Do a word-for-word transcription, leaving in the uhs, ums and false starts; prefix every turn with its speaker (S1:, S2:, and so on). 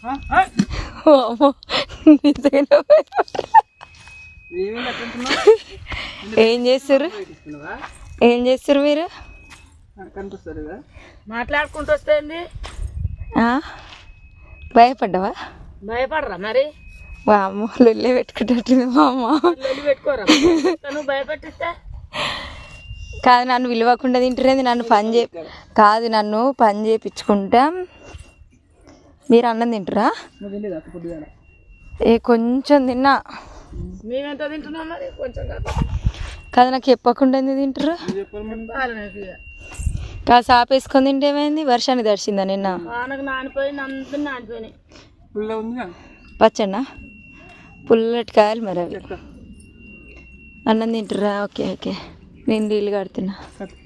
S1: ఏం చేస్తారు ఏం చేస్తారు మీరు
S2: మాట్లాడుకుంటూ వస్తుంది
S1: భయపడ్డావా
S2: భయపడరా మరి
S1: మా అమ్మ లొల్లే పెట్టుకుంటుంది మా అమ్మ
S2: పెట్టుకోరా నువ్వు భయపెట్టిస్తే
S1: కాదు నన్ను విలువకుండా తింటురేది నన్ను పని చే కాదు నన్ను పని చేయించుకుంటా మీరు అన్నం తింటురా ఏ కొంచెం తిన్నా
S2: మేమెంత తింటున్నాం మరి కొంచెం
S1: కాదు నాకు చెప్పకుండా ఎందుకు తింటారు కాదు సాప వేసుకొని తింటే ఏమైంది వర్షానికి తడిచిందా నిన్న
S2: వానకు నానిపోయింది అందరూ నానిపోయినాయి
S1: పచ్చన్నా పుల్లటి కాయలు మరి అవి అన్నం తింటురా ఓకే ఓకే నేను నీళ్ళు కడుతున్నా